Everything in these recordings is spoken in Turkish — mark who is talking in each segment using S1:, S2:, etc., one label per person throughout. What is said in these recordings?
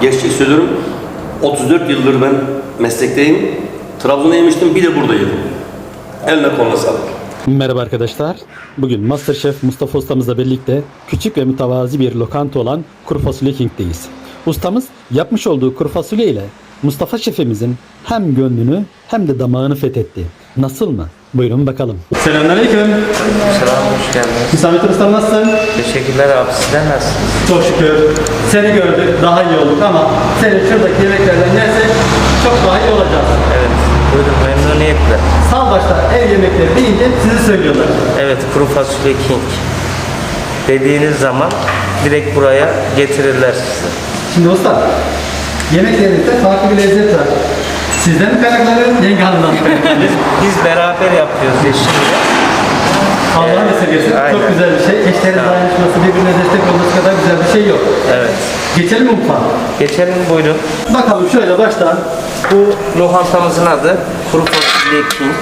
S1: gerçek söylüyorum. 34 yıldır ben meslekteyim. Trabzon'da yemiştim, bir de burada yedim. Eline koluna sağlık.
S2: Merhaba arkadaşlar. Bugün Masterchef Mustafa ustamızla birlikte küçük ve mütevazi bir lokanta olan Kuru Fasulye King'deyiz. Ustamız yapmış olduğu kuru fasulye ile Mustafa şefimizin hem gönlünü hem de damağını fethetti. Nasıl mı? Buyurun bakalım. Selamünaleyküm.
S3: Selam, hoş geldiniz.
S2: Hüsamettin ustam nasılsın?
S3: Teşekkürler abi, sizler nasılsınız?
S2: Çok şükür. Seni gördük, daha iyi olduk ama senin şuradaki yemeklerden yersek çok daha iyi olacağız.
S3: Evet, buyurun memnuniyetle.
S2: Salbaş'ta ev yemekleri deyince sizi söylüyorlar.
S3: Evet, kuru fasulye king dediğiniz zaman direkt buraya getirirler sizi.
S2: Şimdi usta, yemeklerinizde farklı bir lezzet var. Sizden mi kaynaklanıyor, yenge hanımdan mı kaynaklanıyor?
S3: Biz beraber yapıyoruz eşimle.
S2: Allah'ın esirgesin.
S3: Aynen.
S2: Çok güzel bir şey. Eşlerin dayanışması, birbirine destek olması kadar güzel bir şey yok.
S3: Evet.
S2: Geçelim mi mutfağa?
S3: Geçelim buyurun.
S2: Bakalım şöyle baştan.
S3: Bu lokantamızın adı Kuru Fasulye King.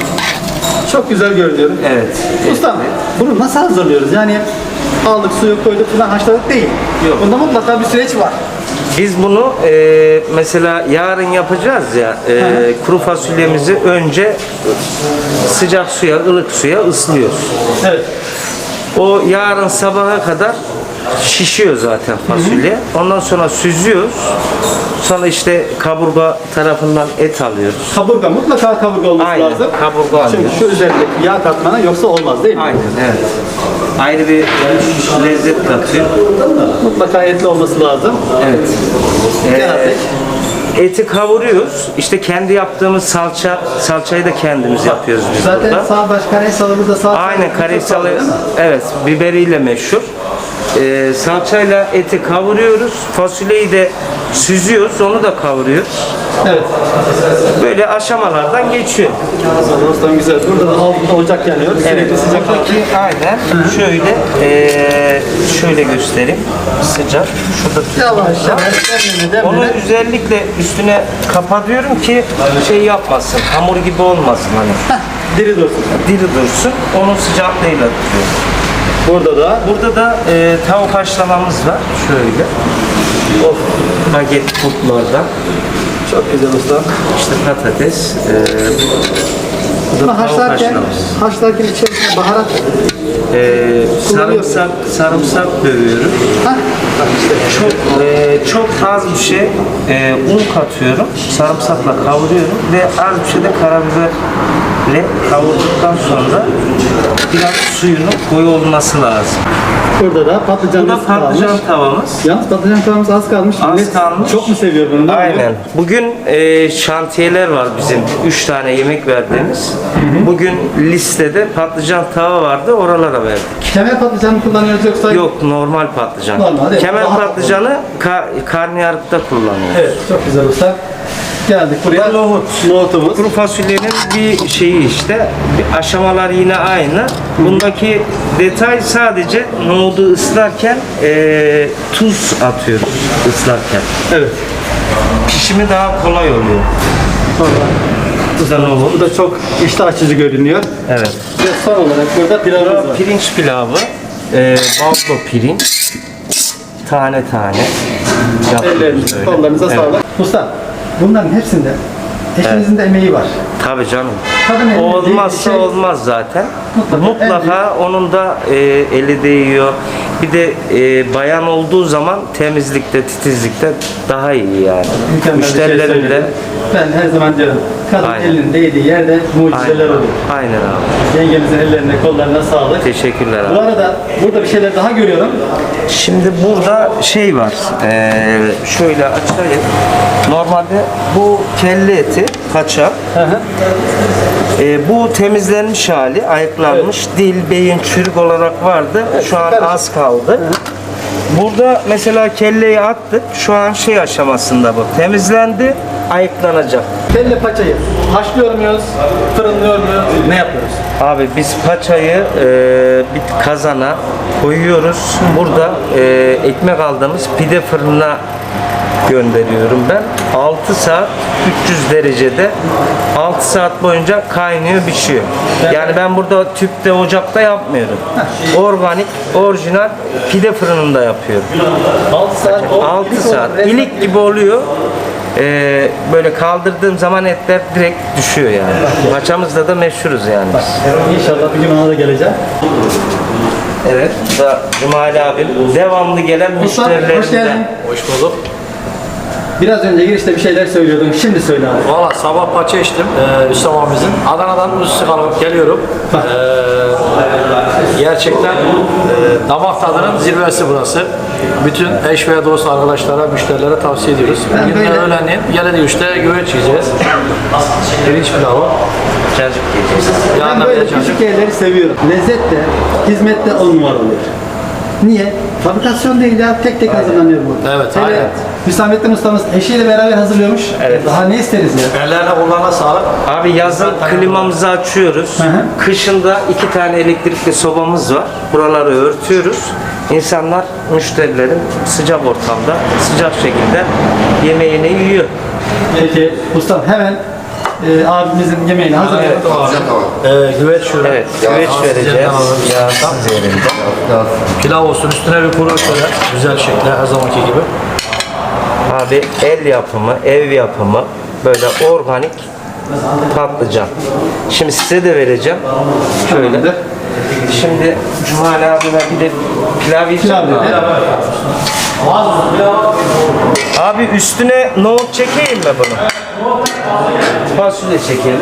S2: Çok güzel görünüyor.
S3: Evet.
S2: Ustam, bunu nasıl hazırlıyoruz? Yani aldık, suyu koyduk falan haşladık değil.
S3: Yok.
S2: Bunda mutlaka bir süreç var.
S3: Biz bunu mesela yarın yapacağız ya, kuru fasulyemizi önce sıcak suya, ılık suya ıslıyoruz.
S2: Evet.
S3: O yarın sabaha kadar şişiyor zaten fasulye. Ondan sonra süzüyoruz. Sonra işte kaburga tarafından et alıyoruz.
S2: Kaburga, mutlaka kaburga olması
S3: Aynen,
S2: lazım.
S3: kaburga
S2: Çünkü
S3: alıyoruz.
S2: şu üzerindeki yağ katmanı yoksa olmaz değil mi?
S3: Aynen, evet. Ayrı bir lezzet katıyor.
S2: Mutlaka etli olması lazım.
S3: Evet.
S2: Geldik.
S3: Eti kavuruyoruz. İşte kendi yaptığımız salçayı da kendimiz yapıyoruz biz
S2: Zaten
S3: burada.
S2: Sağbaş Karaysalı burada sağ.
S3: Aynen, Karaysalı, evet, biberiyle meşhur. Salçayla eti kavuruyoruz. Fasulyeyi de süzüyoruz, onu da kavuruyoruz.
S2: Evet.
S3: Böyle aşamalardan geçiyor.
S2: Ustam güzel. Burada da altında ocak yanıyor. Sürekli sıcak.
S3: Buradaki aynen şöyle göstereyim. Sıcak. Şurada
S2: Yavaş yavaş.
S3: onu özellikle üstüne kapatıyorum ki şey yapmasın, hamur gibi olmasın hani.
S2: Diri dursun.
S3: Diri dursun. Onun sıcaklığıyla tutuyorum. Burada da tavuk haşlamamız var. Şöyle. Of, baget kurtlardan.
S2: Çok güzel usta.
S3: İşte patates.
S2: Bunu
S3: tavuk
S2: haşlarken içerisine baharat.
S3: Sarımsak dövüyorum.
S2: Bak işte.
S3: Çok az bir şey un katıyorum. Sarımsakla kavuruyorum ve az bir şey de karabiberle kavurduktan sonra biraz suyunun koyu olması lazım.
S2: Burada da patlıcanımız
S3: Bu da patlıcan
S2: kalmış.
S3: tavamız.
S2: Yalnız patlıcan tavamız az kalmış.
S3: Az
S2: Millet
S3: kalmış.
S2: Çok mu seviyor bunu?
S3: Aynen. Bugün şantiyeler var bizim. 3 tane yemek verdiğimiz. Bugün listede patlıcan tava vardı. Oralara verdik.
S2: Kemer patlıcanı mı kullanıyoruz yoksa?
S3: Yok, normal patlıcan.
S2: Normal, evet.
S3: Kemer
S2: Daha-
S3: patlıcanı karnıyarıkta kullanıyoruz.
S2: Evet. Çok güzel usta. Geldik buraya. Nohutumuz.
S3: Kuru fasulyenin bir şeyi işte, bir aşamalar yine aynı. Bundaki detay sadece nohudu ıslarken tuz atıyoruz ıslarken.
S2: Evet.
S3: Pişimi daha kolay oluyor. Bu da nohut.
S2: Bu da çok iştah açıcı görünüyor.
S3: Evet.
S2: Ve son olarak burada pilavımız var.
S3: Pirinç pilavı, baldo pirinç, tane tane. yapıyoruz
S2: Ellerinize,
S3: öyle.
S2: kollarınıza
S3: Evet.
S2: sağlık. Usta, bunların hepsinde eşinizin de emeği var.
S3: Tabii canım.
S2: Kadın eli
S3: Olmazsa
S2: şey-
S3: olmaz zaten.
S2: Mutlaka.
S3: Mutlaka onun da eli değiyor. Bir de bayan olduğu zaman temizlikte, titizlikte daha iyi yani.
S2: Mükemmel bir şey
S3: Müşterilerin de
S2: söyledin. Ben her zaman diyorum, kadın
S3: Aynen.
S2: elinin değdiği yerde mucizeler
S3: aynen,
S2: oluyor.
S3: aynen abi.
S2: Yengemizin ellerine, kollarına sağlık.
S3: Teşekkürler
S2: Bu
S3: abi.
S2: arada burada bir şeyler daha görüyorum.
S3: Şimdi burada şey var. Şöyle açayım. Normalde bu kelle eti, paça.
S2: Hı hı.
S3: Bu temizlenmiş hali, ayıklanmış. Dil, beyin, çürük olarak vardı. Şu an
S2: karışık.
S3: az kaldı. Burada mesela kelleyi attık. Şu an şey aşamasında bu. Temizlendi, ayıklanacak.
S2: Kelle paçayı haşlıyor muyuz, fırınlıyor muyuz, ne yapıyoruz?
S3: Abi biz paçayı bir kazana koyuyoruz. Burada ekmek aldığımız pide fırınına gönderiyorum ben. 6 saat 300 derecede 6 saat boyunca kaynıyor, pişiyor. Yani ben burada tüpte, ocakta yapmıyorum. Organik, orijinal pide fırınında yapıyorum.
S2: 6 saat.
S3: 6 saat. İlik gibi oluyor. Böyle kaldırdığım zaman etler direkt düşüyor yani. Paçamızda da meşhuruz yani.
S2: İnşallah bir gün ona da geleceğim.
S3: Evet, bu da Cumali abim. Devamlı gelen
S2: Usta, hoş geldin.
S3: müşterilerimden.
S4: Hoş bulduk.
S2: Biraz önce girişte bir şeyler söylüyordun. Şimdi söyle abi.
S4: Valla sabah paça içtim. Üstam abimizin. Adana'dan Üstü alıp geliyorum. Gerçekten damak tadının zirvesi burası. Bütün eş ve dost arkadaşlara, müşterilere tavsiye ediyoruz. Bugün de öğlenleyin Yeledi 3'te güveç yiyeceğiz. Pirinç pilavı.
S3: Cacık yiyeceğiz.
S2: Ben
S4: Yanında
S2: böyle
S4: bir de
S2: küçük
S4: cacık.
S2: yerleri seviyorum. Lezzet de, hizmet de 10 numara oluyor. Niye? Fabrikasyon değil ya, tek tek hazırlanıyor bu.
S4: Evet,
S2: Hele
S4: aynen.
S2: Hüsamettin ustamız eşiyle beraber hazırlıyormuş.
S3: Evet.
S2: Daha ne isteriz ya?
S4: Ellerine kulağına sağlık.
S3: Abi yazın klimamızı açıyoruz.
S2: hı.
S3: Kışında 2 tane elektrikli sobamız var. Buraları örtüyoruz. İnsanlar, müşterilerin sıcak ortamda, sıcak şekilde yemeğini yiyor.
S2: Peki ustam hemen abimizin yemeğini hazırlayalım.
S4: Güveç şöyle.
S3: Evet, güveç vereceğiz. Yağsız yerinde.
S4: Pilav olsun. Üstüne bir kuru şöyle. Güzel şekilde her zamanki gibi.
S3: Abi el yapımı, ev yapımı, böyle organik patlıcan. Şimdi size de vereceğim. Şöyle.
S2: Tamamdır.
S3: Şimdi Cumali abime bir de pilav yiyeceğim.
S2: Pilav dedi.
S3: Abi üstüne nohut çekeyim mi bunu? Fasulye çekelim.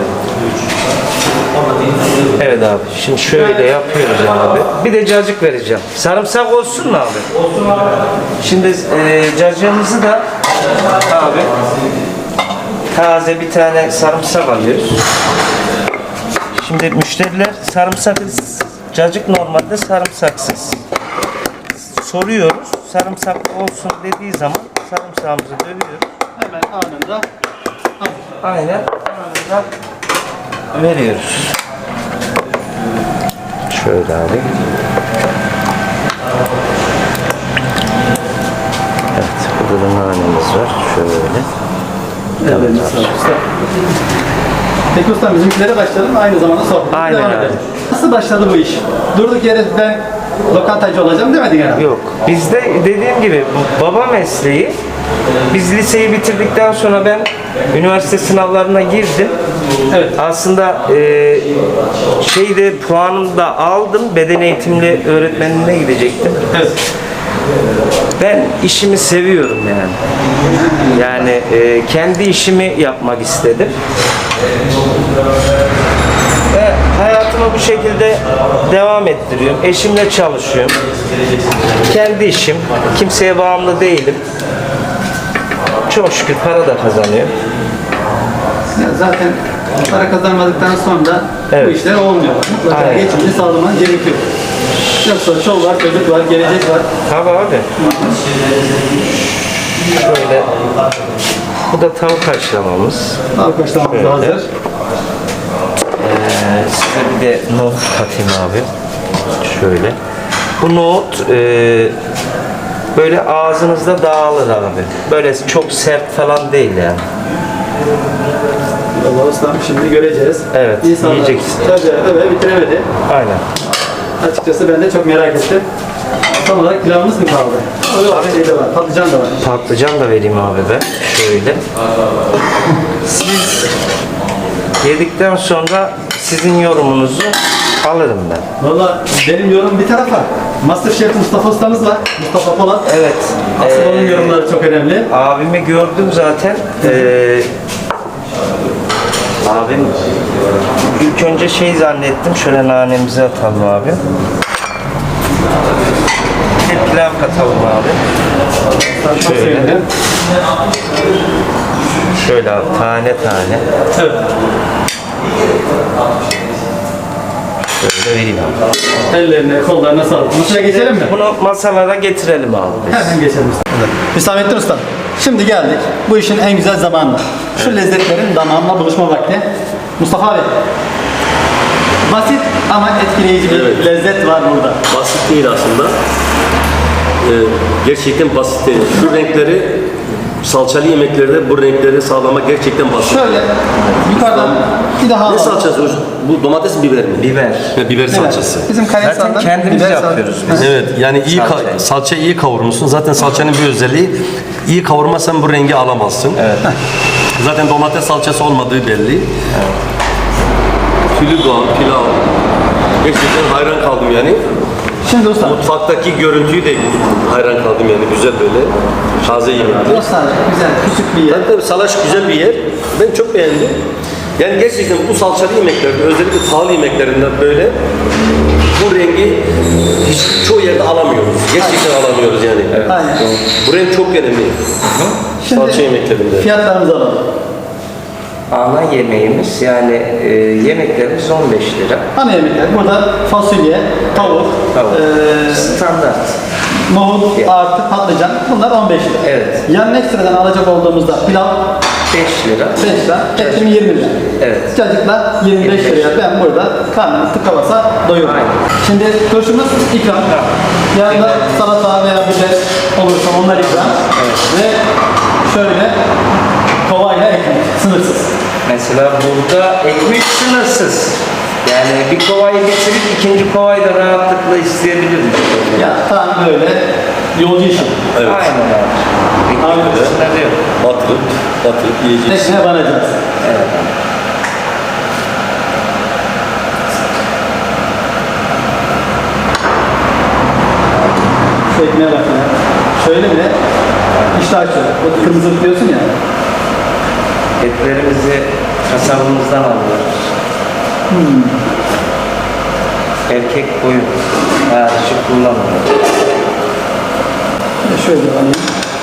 S3: Evet abi. Şimdi şöyle yapıyoruz abi. Bir de cacık vereceğim. Sarımsak olsun mu abi? Olsun abi. Şimdi cacığımızı da abi taze bir tane sarımsak alıyoruz. Şimdi müşteriler sarımsak, cacık normalde sarımsaksız. Soruyoruz. Sarımsaklı olsun dediği zaman sarımsağımızı dövüyoruz.
S2: Hemen anında.
S3: Aynen. Anında veriyoruz. Şöyle abi. Evet. Burada da nanemiz var. Şöyle.
S2: Evet, sağ ol usta. Peki ustam bizimkilere başlayalım. Aynı zamanda sohbetine
S3: Aynen
S2: devam
S3: abi.
S2: edelim. Nasıl başladı bu iş? Durduk yere ben lokantacı olacağım demedin herhalde.
S3: Yok. Bizde dediğim gibi baba mesleği. Biz liseyi bitirdikten sonra ben üniversite sınavlarına girdim.
S2: Evet.
S3: Aslında puanımı da aldım. Beden eğitimli öğretmenliğine gidecektim.
S2: Evet.
S3: Ben işimi seviyorum yani. Yani kendi işimi yapmak istedim. Ve hayatımı bu şekilde devam ettiriyorum. Eşimle çalışıyorum. Kendi işim. Kimseye bağımlı değilim. Çok şükür para da kazanıyor.
S2: Ya zaten para kazanmadıktan sonra bu
S3: Evet.
S2: işler olmuyor. Mutlaka
S3: Aynen.
S2: geçimini sağlaman gerekiyor. Yoksa çoluk var, çocuk var, gelecek var.
S3: Tabii abi. Şöyle. Bu da tavuk haşlamamız.
S2: Arkadaşlarımız
S3: Evet.
S2: da hazır.
S3: Size bir de nohut katayım abi. Şöyle. Bu nohut böyle ağzınızda dağılır abi. Böyle çok sert falan değil yani.
S2: Allah ustam şimdi göreceğiz.
S3: Evet,
S2: İnsanlar
S3: yiyeceksin.
S2: tabii ve bitiremedi.
S3: Aynen.
S2: Açıkçası ben de çok merak ettim. Son olarak pilavımız mı kaldı? Yok, şey de var, patlıcan da var.
S3: Patlıcan da vereyim abi ben. Şöyle. Siz yedikten sonra sizin yorumunuzu alırım ben.
S2: Valla benim yorum bir tarafa. Masterchef Mustafa ustamız var. Mustafa Polat.
S3: Evet.
S2: Asıl onun yorumları çok önemli.
S3: Abimi gördüm zaten. Abim ilk önce şey zannettim. Şöyle nanemizi atalım abi. Bir de pilav katalım abi.
S2: Çok
S3: Şöyle.
S2: sevindim.
S3: Şöyle abi, tane tane.
S2: Evet.
S3: Şöyle vereyim abi.
S2: Ellerine, kollarına sağlık. Masaya geçelim mi?
S3: Bunu masalara getirelim abi biz.
S2: Hemen geçelim usta. Hüsamettin usta. Şimdi geldik. Bu işin en güzel zamanı. Şu lezzetlerin damağımla buluşma vakti. Mustafa abi. Basit ama etkileyici bir lezzet var burada.
S1: Basit değil aslında. Gerçekten basit değil. Şu renkleri salçalı yemeklerde bu renkleri sağlamak gerçekten basit.
S2: Şöyle yukarıdan bir daha
S1: Ne
S2: alalım.
S1: salçası? Bu domates biber mi?
S3: Biber.
S1: Ha, biber salçası.
S2: Bizim
S3: Zaten
S2: Kayasan'dan
S3: kendimiz
S2: biber
S3: yapıyoruz biz.
S1: Evet, yani iyi
S3: Salçayı.
S1: salçayı iyi kavurmuşsun. Zaten salçanın bir özelliği, iyi kavurmazsan bu rengi alamazsın.
S3: Evet.
S1: Zaten domates salçası olmadığı belli. Tülü doğan pilav. Gerçekten hayran kaldım yani.
S2: Şimdi usta.
S1: Mutfaktaki görüntüyü de hayran kaldım yani, güzel böyle. Taze yemekler.
S2: Nostalji, güzel, küçük bir yer.
S1: Tabii Salaş güzel bir yer. Ben çok beğendim. Yani gerçekten bu salçalı yemeklerde, özellikle pahalı yemeklerinden böyle bu rengi hiç çoğu yerde alamıyoruz. Gerçekten alamıyoruz yani.
S2: Aynen.
S1: Bu renk çok önemli. Salça yemeklerinde.
S2: Fiyatlarımızı alalım.
S3: Ana yemeğimiz yani yemeklerimiz 15 lira.
S2: Ana yemekler. Burada fasulye, tavuk,
S3: Tamam. Standart.
S2: nohut artı patlıcan. Bunlar 15 lira.
S3: Evet.
S2: Yan ekstradan alacak olduğumuzda pilav
S3: 5 lira.
S2: 5 lira, etim 20 lira.
S3: Evet.
S2: Cacıkla 25 liraya ben burada karnımı tıka basa doyurum.
S3: Aynen.
S2: Şimdi turşumuz ikram. Yanında salata veya biber olursa onlar ikram. Ve şöyle kovayla ekmek sınırsız.
S3: Mesela burada ekmek sınırsız. Yani bir kovayı bitirip ikinci kovayı da rahatlıkla isteyebilirim.
S2: Ya tam böyle yolcu işi.
S1: Evet.
S3: Aynen abi.
S2: Aynen.
S3: Ekmek sınırı yok.
S1: Batırıp yiyeceğiz.
S2: Ekmeğe banacağız.
S3: Evet.
S2: Şu ekmeğe bak ya. Şöyle bile iştah açıyor. O kırmızı diyorsun ya.
S3: Etlerimizi kasabımızdan alıyoruz. Erkek koyun. Dişi kullanmıyor.
S2: Şöyle alayım.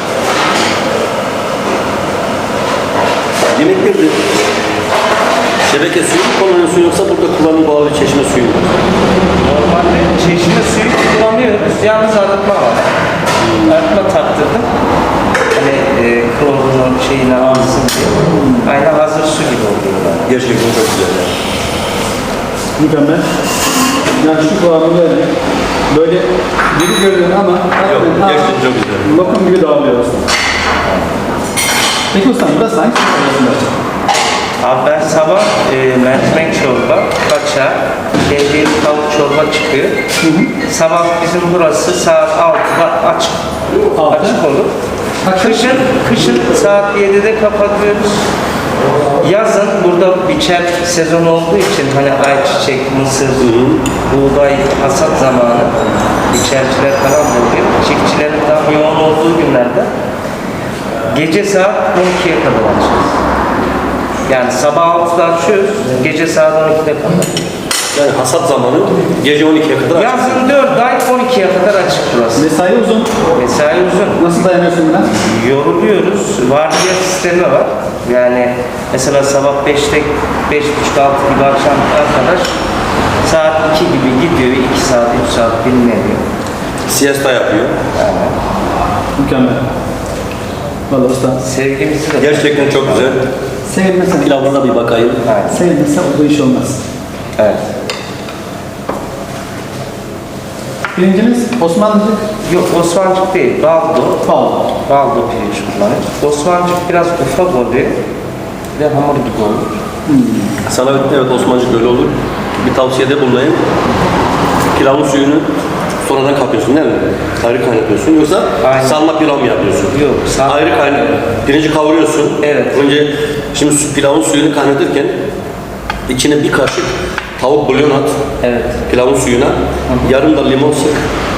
S1: Yemeklerde şebeke suyu mu kullanıyorsun, yoksa burada kullanım bağlı çeşme suyu mu?
S3: Normalde çeşme suyu kullanıyoruz. Yalnız arıtma var. Arıtma taktırdım. Hani klorunun şeyini alsın diye. Aynen hazır su gibi oluyorlar.
S1: Gerçekten çok güzel yani.
S2: Mükemmel. Yani şu kıvamı böyle diri görünüyor ama
S1: Yok, gerçekten çok güzel.
S2: lokum gibi dağılıyor aslında. Peki ustam burası hangi arasında?
S3: Abi ben sabah mercimek çorba, kaça, kendi tavuk çorba çıkıyor. Sabah bizim burası saat 6'da açık.
S2: Altı.
S3: Açık olur. Kışın saat 7'de kapatıyoruz. Yazın burada biçer sezonu olduğu için hani ayçiçek, mısır, buğday hasat zamanı biçerciler falan oluyor. Çiftçilerin daha yoğun olduğu günlerde gece saat 12'ye kadar açıyoruz. Yani sabah 6'da açıyoruz, gece saat 12'de kadar.
S1: Yani hasat zamanı gece 12'ye kadar açık.
S3: Yazın 4 ay 12'ye kadar açık burası.
S2: Mesai uzun.
S3: Mesai uzun.
S2: Nasıl dayanıyorsun buna?
S3: Yoruluyoruz. Vardiya sistemi var. Yani mesela sabah 5'te 5.30-6 gibi akşam arkadaş saat 2 gibi gidiyor. 2 saat, 3 saat dinleniyor.
S1: Siesta yapıyor.
S2: Mükemmel. Valla usta.
S3: Sevgimizi de
S1: Gerçekten çok güzel.
S2: Sevilmesen,
S1: Pilavına bir bakayım.
S3: Aynen.
S2: sevilmezse bu iş olmaz.
S3: Evet.
S2: Birincimiz Osmanlıcık
S3: Yok Osmancık değil, baldo.
S2: pahalı.
S3: Baldo pirinç kullanıyoruz. Osmancık biraz ufak oluyor. Ve hamur gibi olur.
S1: Sana evet Osmancık öyle olur. Bir tavsiyede bulunayım. Pilavın suyunu sonradan kapıyorsun değil mi? Ayrı kaynatıyorsun, yoksa
S3: Aynen.
S1: salma pilav mı yapıyorsun?
S3: Yok,
S1: Ayrı kaynat. Pirinci kavuruyorsun.
S3: Evet.
S1: Önce şimdi pilavın suyunu kaynatırken içine bir kaşık tavuk bulyon at.
S3: Evet.
S1: Pilavın suyuna. Yarım da limon sık.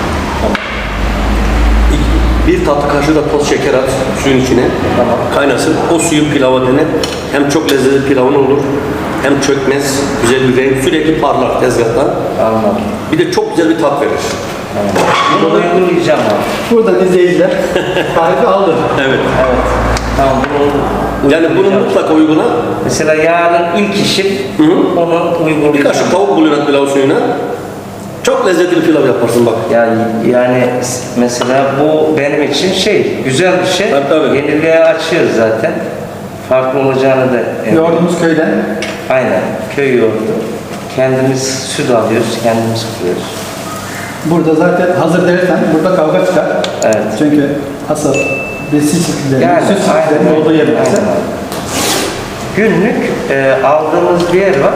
S1: Bir tatlı kaşığı da toz şeker at suyun içine.
S3: Tamam.
S1: Kaynasın. O suyu pilava dene. Hem çok lezzetli pilavın olur, hem çökmez, güzel bir renk, sürekli parlar tezgahta.
S3: Anladım.
S1: Bir de çok güzel bir tat verir.
S3: Bunu uygulayacağım abi.
S2: Buradan izleyiciler tarifi aldı.
S1: Evet.
S3: Evet. Tamam bunu
S1: Yani bunu
S3: uygulayacağım.
S1: mutlaka uygula.
S3: Mesela yarın ilk işim onu
S1: Bir
S3: uygulayacağım.
S1: kaşık tavuk bulyon at pilav suyuna. Çok lezzetli bir pilav yaparsın bak.
S3: Yani mesela bu benim için güzel bir şey.
S1: Tabii.
S3: Yeniliğe açıyoruz zaten. Farklı olacağını da
S2: Yoğurdumuz köyden.
S3: Aynen. Köy yoğurdu. Kendimiz süt alıyoruz, kendimiz kuruyoruz.
S2: Burada zaten hazır dersen burada kavga çıkar.
S3: Evet.
S2: Çünkü hasat Besi çiftlikleri,
S3: Yani,
S2: süt çiftliklerinin
S3: aynen.
S2: olduğu yerlerde.
S3: Aynen. Günlük aldığımız bir yer var.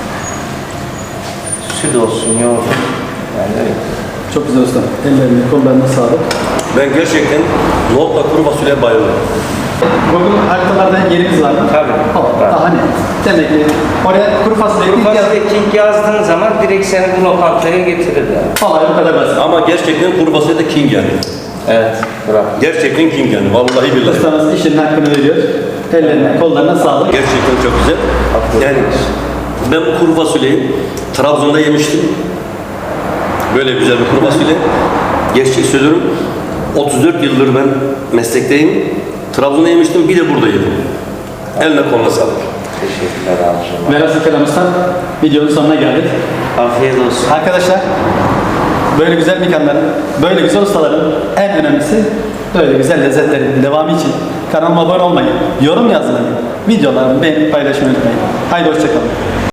S3: Süt olsun, yoğurt. Yani öyle.
S2: Çok güzel usta. Ellerine, kollarına sağlık.
S1: Ben gerçekten nohutla kuru fasulyeye bayılıyorum.
S2: Google haritalarda yerimiz var mı?
S3: Tabii. Var.
S2: Daha ne? Demek ki oraya kuru fasulye
S3: Kuru
S2: ilk yaz.
S3: fasulye King yazdığın zaman direkt seni bu lokantaya getirir yani.
S2: Olay bu kadar basit.
S1: Ama gerçekten kuru fasulye de king yani.
S3: Evet. Bravo.
S1: Gerçekten king yani. Vallahi billahi.
S2: Ustamız işinin hakkını veriyor. Ellerine, kollarına sağlık.
S1: Gerçekten çok güzel. Yani ben bu kuru fasulyeyi Trabzon'da yemiştim. Böyle güzel bir kuru fasulye. Gerçek söylüyorum. 34 yıldır ben meslekteyim. Trabzon'da yemiştim, bir de burada yedim. Eline koluna sağlık.
S3: Teşekkürler abicim.
S2: Velhasıl kelam usta, videonun sonuna geldik.
S3: Afiyet olsun.
S2: Arkadaşlar, böyle güzel mekanların, böyle güzel ustaların en önemlisi böyle güzel lezzetlerin devamı için kanalıma abone olmayı, yorum yazmayı, videolarımı beğenip paylaşmayı unutmayın. Haydi hoşçakalın.